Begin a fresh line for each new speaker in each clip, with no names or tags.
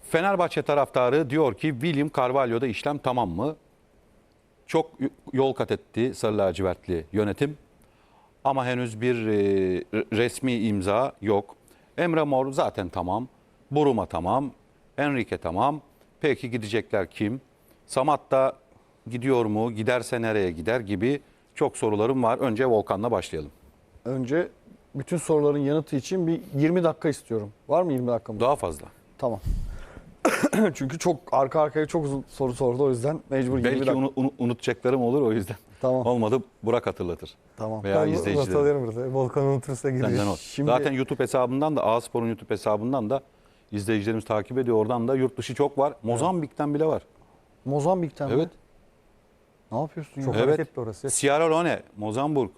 Fenerbahçe taraftarı diyor ki William Carvalho'da işlem tamam mı? Çok yol kat etti Sarı Lacivertli yönetim. Ama henüz bir resmi imza yok. Emre Mor zaten tamam. Buruma tamam. Enrique tamam. Peki gidecekler kim? Samat da gidiyor mu? Giderse nereye gider gibi çok sorularım var. Önce Volkan'la başlayalım.
Önce bütün soruların yanıtı için bir 20 dakika istiyorum. Var mı 20 dakikamız?
Daha fazla.
Tamam. Çünkü çok arka arkaya çok uzun soru sordu, o yüzden mecbur 20
Belki
dakika.
unutacaklarım olur o yüzden.
Tamam.
Olmadı Burak hatırlatır.
Tamam.
Veya
Ben
izleyiciler.
not alıyorum burada. Volkan unutursa
Senden
giriyor.
o.
Şimdi-
Zaten YouTube hesabından da A-Spor'un YouTube hesabından da izleyicilerimiz takip ediyor. Oradan da yurt dışı çok var. Mozambik'ten bile var.
Mozambik'ten mi?
Evet.
Ne yapıyorsun
Çok
ya?
Evet.
hareketli orası.
Sierra Leone, Mozambik,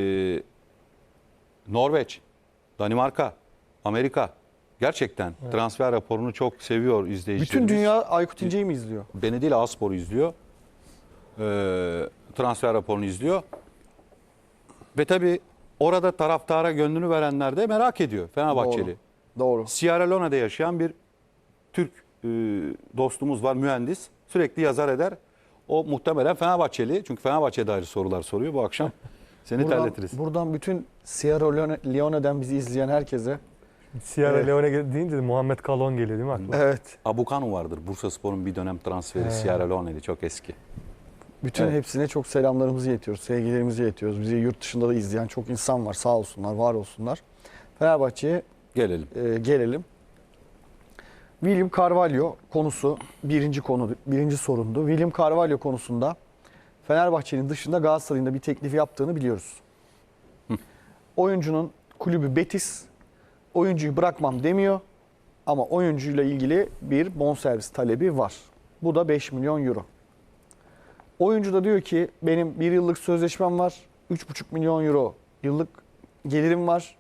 Norveç, Danimarka, Amerika. Gerçekten transfer raporunu çok seviyor izleyicilerimiz.
Bütün dünya Aykut İnce'yi mi izliyor?
Beni değil A-Spor'u izliyor. Transfer raporunu izliyor. Ve tabii orada taraftara gönlünü verenler de merak ediyor Fenerbahçeli.
Doğru.
Sierra Leone'de yaşayan bir Türk dostumuz var, mühendis. Sürekli yazar eder. O muhtemelen Fenerbahçeli. Çünkü Fenerbahçe'ye dair sorular soruyor bu akşam. Seni terletiriz.
Buradan bütün Sierra Leone'den bizi izleyen herkese.
Sierra
Evet.
Leone deyince de Muhammed Kalon geliyor değil mi aklıma?
Evet.
Abukanu vardır. Bursaspor'un bir dönem transferi Sierra Leone'li. Çok eski.
Bütün
Evet.
hepsine çok selamlarımızı iletiyoruz, sevgilerimizi iletiyoruz. Bizi yurt dışında da izleyen çok insan var. Sağ olsunlar, var olsunlar. Fenerbahçe'ye
Gelelim.
gelelim. William Carvalho konusu birinci sorundu. William Carvalho konusunda Fenerbahçe'nin dışında Galatasaray'ın da bir teklifi yaptığını biliyoruz. Oyuncunun kulübü Betis, oyuncuyu bırakmam demiyor ama oyuncuyla ilgili bir bonservis talebi var. Bu da 5 milyon euro. Oyuncu da diyor ki benim bir yıllık sözleşmem var, 3,5 milyon euro yıllık gelirim var.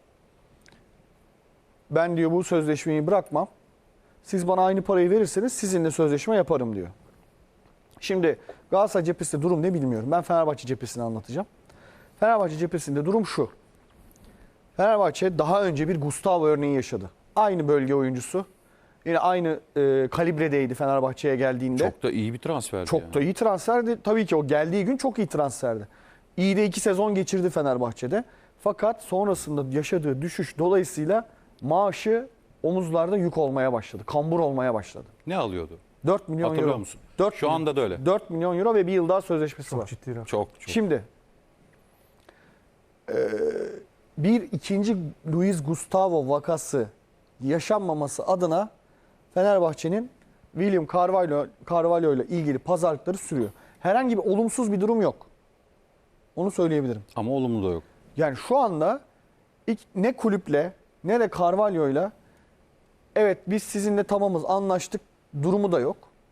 Ben diyor bu sözleşmeyi bırakmam. Siz bana aynı parayı verirseniz sizinle sözleşme yaparım diyor. Şimdi Galatasaray cephesinde durum ne bilmiyorum. Ben Fenerbahçe cephesini anlatacağım. Fenerbahçe cephesinde durum şu. Fenerbahçe daha önce bir Gustavo örneği yaşadı. Aynı bölge oyuncusu. Yine aynı kalibredeydi Fenerbahçe'ye geldiğinde.
Çok da iyi bir transferdi.
Çok da iyi transferdi. Tabii ki o geldiği gün çok iyi transferdi. İyi de 2 sezon geçirdi Fenerbahçe'de. Fakat sonrasında yaşadığı düşüş dolayısıyla maaşı omuzlarda yük olmaya başladı. Kambur olmaya başladı.
Ne alıyordu?
4 milyon
Hatırlıyor
euro.
musun?
4
Şu anda da öyle.
4 milyon euro ve bir yıl daha sözleşmesi
Çok
var.
ciddi rakam.
Çok.
Şimdi bir ikinci Luis Gustavo vakası yaşanmaması adına Fenerbahçe'nin William Carvalho ile ilgili pazarlıkları sürüyor. Herhangi bir olumsuz bir durum yok. Onu söyleyebilirim.
Ama olumlu da yok.
Yani şu anda ne kulüple ne de Carvalho'yla evet biz sizinle tamamız anlaştık durumu da yok.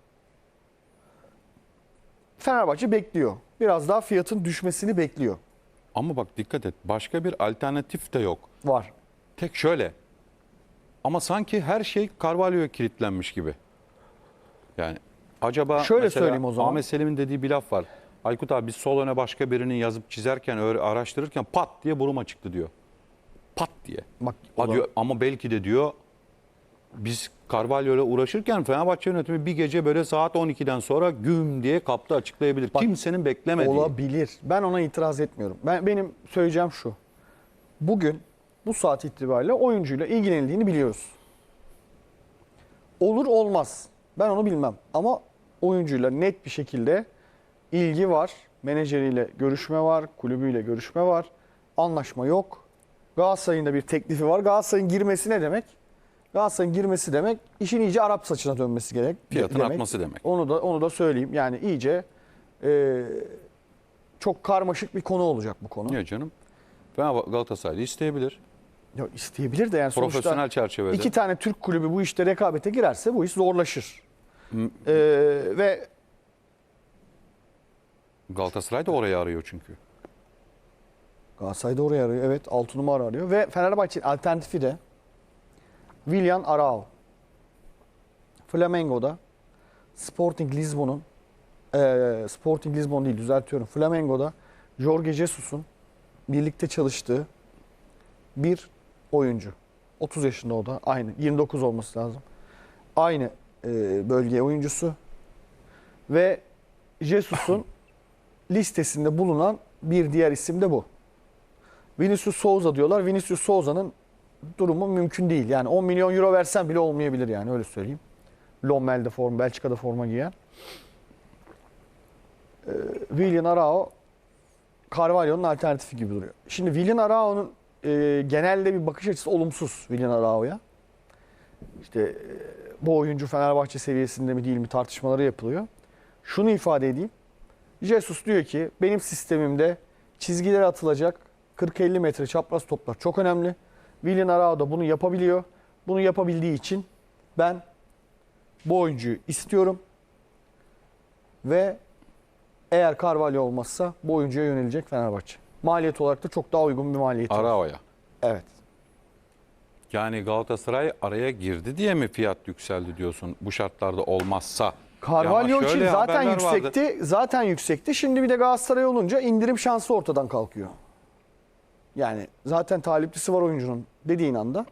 Fenerbahçe bekliyor. Biraz daha fiyatın düşmesini bekliyor.
Ama bak dikkat et. Başka bir alternatif de yok.
Var.
Tek şöyle. Ama sanki her şey Carvalho'ya kilitlenmiş gibi. Yani acaba
Şöyle
mesela
söyleyeyim o zaman.
Ahmet Selim'in dediği bir laf var. Aykut abi biz sol öne başka birinin yazıp çizerken, araştırırken pat diye Buruma çıktı diyor. Pat diye.
Bak,
Ha diyor, ama belki de diyor biz Carvalho'yla uğraşırken Fenerbahçe yönetimi bir gece böyle saat 12'den sonra güm diye kaptı açıklayabilir.
Bak,
Kimsenin beklemediği.
olabilir. Ben ona itiraz etmiyorum. Benim söyleyeceğim şu. Bugün bu saat itibariyle oyuncuyla ilgilenildiğini biliyoruz. Olur olmaz. Ben onu bilmem. Ama oyuncuyla net bir şekilde ilgi var. Menajeriyle görüşme var. Kulübüyle görüşme var. Anlaşma yok. Galatasaray'ın da bir teklifi var. Galatasaray'ın girmesi ne demek? Galatasaray'ın girmesi demek işin iyice Arap saçına dönmesi gerek.
Fiyatın artması demek.
Onu da söyleyeyim. Yani iyice çok karmaşık bir konu olacak bu konu.
Niye canım? Galatasaray'da isteyebilir.
Ya isteyebilir de yani
Profesyonel
sonuçta
çerçevede.
2 tane Türk kulübü bu işte rekabete girerse bu iş zorlaşır. Ve
Galatasaray da orayı arıyor çünkü.
Galatasaray da oraya arıyor. Evet 6 numara arıyor. Ve Fenerbahçe'nin alternatifi de Willian Arao. Flamengo'da Sporting Lisbon'un Sporting Lisbon değil düzeltiyorum. Flamengo'da Jorge Jesus'un birlikte çalıştığı bir oyuncu. 30 yaşında o da. Aynı. 29 olması lazım. Aynı bölge oyuncusu. Ve Jesus'un listesinde bulunan bir diğer isim de bu. Vinicius Souza diyorlar. Vinicius Souza'nın durumu mümkün değil. Yani 10 milyon euro versen bile olmayabilir yani öyle söyleyeyim. Lommel'de forma, Belçika'da forma giyen. Willian Arao Carvalho'nun alternatifi gibi duruyor. Şimdi Willian Arao'nun genelde bir bakış açısı olumsuz Willian Arao'ya. İşte bu oyuncu Fenerbahçe seviyesinde mi değil mi tartışmaları yapılıyor. Şunu ifade edeyim. Jesus diyor ki benim sistemimde çizgilere atılacak 40-50 metre çapraz toplar çok önemli. Willian Arao da bunu yapabiliyor. Bunu yapabildiği için ben bu oyuncuyu istiyorum. Ve eğer Carvalho olmazsa bu oyuncuya yönelecek Fenerbahçe. Maliyet olarak da çok daha uygun bir maliyeti var.
Arao'ya.
Evet.
Yani Galatasaray araya girdi diye mi fiyat yükseldi diyorsun bu şartlarda olmazsa?
Carvalho
Ya ama
için
şöyle
zaten
haberler
yüksekti.
vardı.
Zaten yüksekti. Şimdi bir de Galatasaray olunca indirim şansı ortadan kalkıyor. Yani zaten taliplisi var oyuncunun dediğin anda.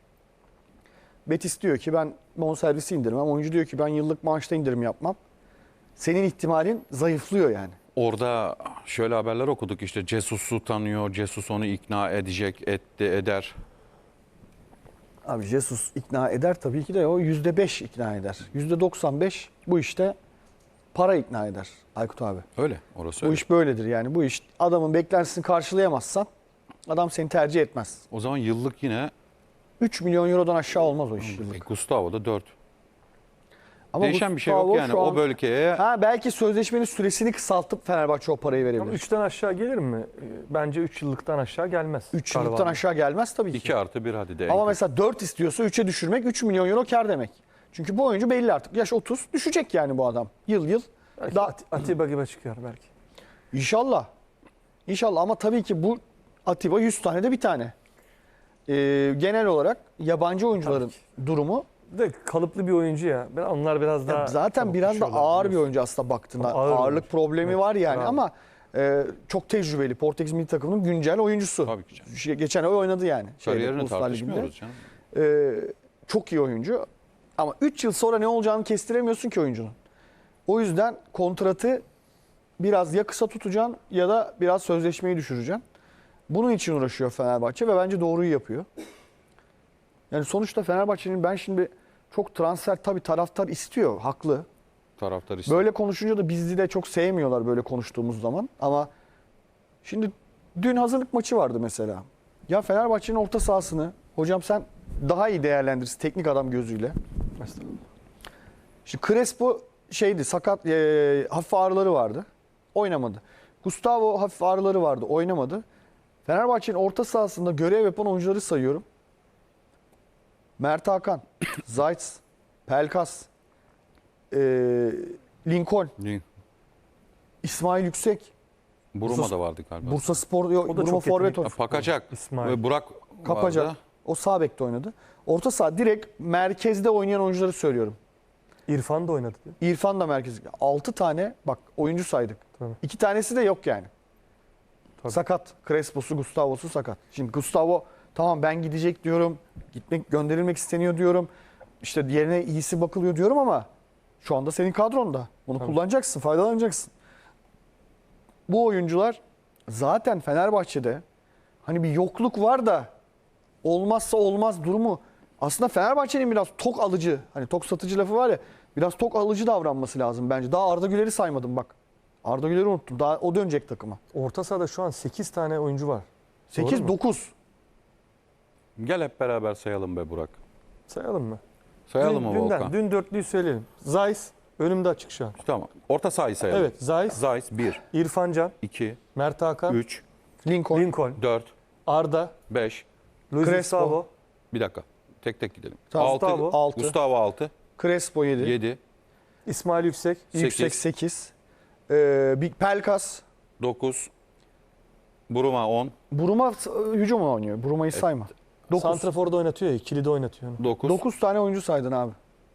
Betis diyor ki ben bonservisi indirmem. Oyuncu diyor ki ben yıllık maaşta indirim yapmam. Senin ihtimalin zayıflıyor yani.
Orada şöyle haberler okuduk işte Jesus'u tanıyor, Jesus onu ikna edecek, eder.
Abi Jesus ikna eder tabii ki de o %5 ikna eder. %95 bu işte para ikna eder Aykut abi.
Öyle, orası
Bu
öyle.
iş böyledir yani. Bu iş adamın beklentisini karşılayamazsan adam seni tercih etmez.
O zaman yıllık yine
3 milyon eurodan aşağı olmaz o iş yıllık.
Gustavo'da 4.
Ama
Değişen bir şey yok
Gustavo
yani
şu
o
an-
bölgeye.
Ha belki sözleşmenin süresini kısaltıp Fenerbahçe o parayı
Ama
verebilir.
3'ten aşağı gelir mi? Bence 3 yıllıktan aşağı gelmez.
3 yıllıktan
Carvalho.
aşağı gelmez tabii ki.
2+1 hadi de.
Ama mesela 4 istiyorsa 3'e düşürmek 3 milyon euro kar demek. Çünkü bu oyuncu belli artık. Yaş 30 düşecek yani bu adam. Yıl.
Belki
Daha,
Atiba gibi çıkıyor belki.
İnşallah. İnşallah ama tabii ki bu Atiba 100 tane de bir tane. Genel olarak yabancı oyuncuların durumu
De kalıplı bir oyuncu ya. Onlar biraz daha
zaten
çabuk
biraz da
düşüyorlar,
ağır bir
biliyorsun.
oyuncu aslında baktığında.
Ağır
Ağırlık
oyuncu.
problemi
Evet,
var yani
bravo.
ama çok tecrübeli. Portekiz milli takımının güncel oyuncusu.
Tabii ki canım.
Geçen ay oynadı yani.
Kariyerini
Uluslar Ligi'nde.
tartışmıyoruz canım.
Çok iyi oyuncu. Ama 3 yıl sonra ne olacağını kestiremiyorsun ki oyuncunun. O yüzden kontratı biraz ya kısa tutacaksın ya da biraz sözleşmeyi düşüreceksin. Bunun için uğraşıyor Fenerbahçe ve bence doğruyu yapıyor. Yani sonuçta Fenerbahçe'nin ben şimdi çok transfer tabii taraftar istiyor, haklı.
Taraftar istiyor.
Böyle konuşunca da bizi de çok sevmiyorlar böyle konuştuğumuz zaman. Ama şimdi dün hazırlık maçı vardı mesela. Ya Fenerbahçe'nin orta sahasını hocam sen daha iyi değerlendirirsin teknik adam gözüyle. Şimdi Crespo şeydi sakat hafif ağrıları vardı. Oynamadı. Gustavo hafif ağrıları vardı. Oynamadı. Fenerbahçe'nin orta sahasında görev yapan oyuncuları sayıyorum. Mert Hakan, Zayt, Pelkas, Lincoln, İsmail Yüksek,
Buruma da vardı galiba.
Bursa Spor, yok,
O da
Burma
çok
forvet
yetenekli.
oynuyor.
Pakacak.
İsmail.
Ve Burak
Kapacak.
vardı.
O sağ bekte oynadı. Orta saha direkt merkezde oynayan oyuncuları söylüyorum.
İrfan da oynadı diyor.
İrfan da merkez. 6 tane bak oyuncu saydık.
Tabii.
2 tanesi de yok yani.
Tabii.
Sakat. Crespo'su, Gustavo'su sakat. Şimdi Gustavo tamam ben gidecek diyorum. Gönderilmek isteniyor diyorum. İşte yerine iyisi bakılıyor diyorum ama şu anda senin kadronda. Bunu
Tabii.
kullanacaksın, faydalanacaksın. Bu oyuncular zaten Fenerbahçe'de hani bir yokluk var da olmazsa olmaz durumu. Aslında Fenerbahçe'nin biraz tok alıcı, hani tok satıcı lafı var ya, biraz tok alıcı davranması lazım bence. Daha Arda Güler'i saymadım bak. Arda Güler'i unuttum. Daha o dönecek takıma.
Orta sahada şu an 8 tane oyuncu var. Doğru
8
mu?
9.
Gel hep beraber sayalım be Burak.
Sayalım mı?
Sayalım mı Volkan?
Dün dörtlüyü söyleyelim. Zayis önümde açık şu an.
Tamam. Orta sahayı sayalım.
Evet, Zayis,
Zayis 1,
İrfan Can,
2,
Mert Hakan,
3,
Lincoln.
Lincoln,
4,
Arda,
5.
Luis
Crespo.
Gustavo,
Bir dakika. Tek tek gidelim.
Tamam,
6,
Gustavo.
6.
Gustavo 6,
Crespo 7.
7,
İsmail Yüksek,
Yüksek 8. Pelkas.
9, Buruma 10,
Buruma hücum oynuyor. Buruma'yı sayma. 9.
Santrafor'da oynatıyor ya, ikili de oynatıyor. onu.
9.
9 tane oyuncu saydın abi.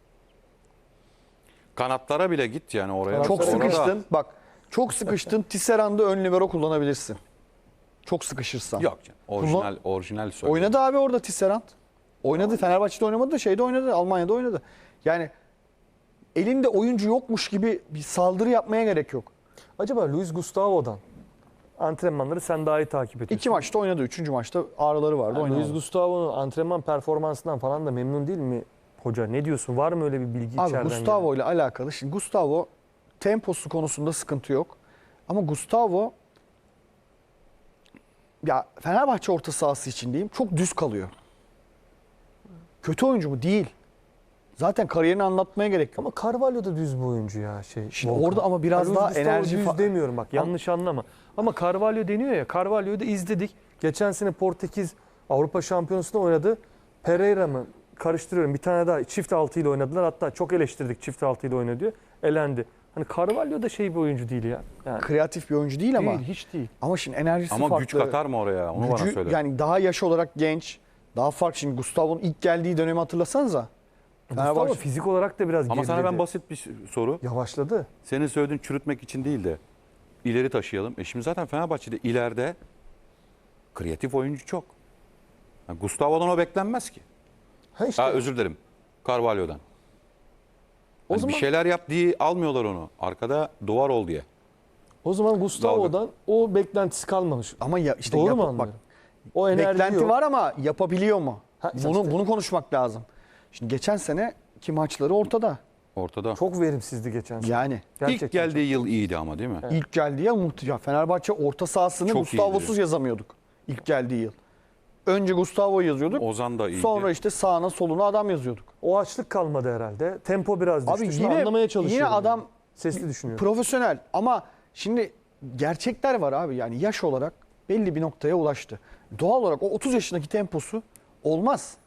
Kanatlara bile git yani oraya.
Çok
Orada-
sıkıştın. Bak çok sıkıştın. Tisserand'ı ön libero kullanabilirsin. Çok sıkışırsan.
Yok canım. Orijinal söyle.
Oynadı abi orada Tisserand. Oynadı. Fenerbahçe'de oynamadı da şeyde oynadı. Almanya'da oynadı. Yani elinde oyuncu yokmuş gibi bir saldırı yapmaya gerek yok.
Acaba Luis Gustavo'dan antrenmanları sen daha iyi takip ediyorsun.
2 maçta oynadı. 3. maçta ağrıları vardı.
Yani
oynamadı.
Luis Gustavo'nun antrenman performansından falan da memnun değil mi hoca? Ne diyorsun? Var mı öyle bir bilgi
Abi
içeriden
Gustavo ile alakalı. Şimdi Gustavo temposu konusunda sıkıntı yok. Ama Gustavo ya Fenerbahçe orta sahası için diyeyim çok düz kalıyor. Kötü oyuncu mu? Değil. Zaten kariyerini anlatmaya gerek yok.
Ama Carvalho da düz bir oyuncu ya.
Şimdi
Volkan.
orada ama biraz
Luis
daha
Gustavo
enerji
düz demiyorum bak yanlış anlama. Ama Carvalho deniyor ya. Carvalho'yu da izledik. Geçen sene Portekiz Avrupa Şampiyonası'nda oynadı. Pereira mı? Karıştırıyorum. Bir tane daha çift altı ile oynadılar. Hatta çok eleştirdik çift altı ile oynadı diyor. Elendi. Hani Carvalho da bir oyuncu değil ya. Yani
kreatif bir oyuncu değil ama.
değil, hiç değil.
Ama şimdi enerjisi
Ama
farklı.
güç katar mı oraya? Onu bana
Gücü,
söyle.
yani daha yaş olarak genç. Daha farklı. Şimdi Gustavo'nun ilk geldiği dönemi hatırlasanıza.
Gustavo fizik olarak da biraz
Ama sana
geriledi.
ben basit bir soru.
Yavaşladı.
Senin söylediğin çürütmek için değil de ileri taşıyalım. Şimdi zaten Fenerbahçe'de ileride kreatif oyuncu çok. Yani Gustavo'dan o beklenmez ki.
Ha işte.
Özür dilerim. Carvalho'dan.
O
Hani
zaman
bir şeyler yap diye almıyorlar onu. Arkada duvar ol diye.
o zaman Gustavo'dan o beklentisi kalmamış.
Ama ya işte
Doğru mu
bak,
anlıyorum? O enerji
beklenti
yok.
var ama yapabiliyor mu?
Ha, işte.
Bunu konuşmak lazım. Şimdi geçen seneki maçları ortada.
Ortada.
Çok verimsizdi geçen sene.
Yani
Gerçekten
İlk geldiği yıl iyiydi ama değil mi?
Evet.
ilk geldiği yıl muhteşem. Fenerbahçe orta sahasını
Çok
Gustavo'suz
iyiydi.
yazamıyorduk. İlk geldiği yıl. Önce Gustavo yazıyorduk.
Ozan da iyiydi.
Sonra işte sağına soluna adam yazıyorduk.
O açlık kalmadı herhalde. Tempo biraz düştü.
Abi
Şimdi anlamaya çalışıyorum.
yine adam
Sesli düşünüyorum.
profesyonel ama şimdi gerçekler var abi. Yani yaş olarak belli bir noktaya ulaştı. Doğal olarak o 30 yaşındaki temposu olmaz.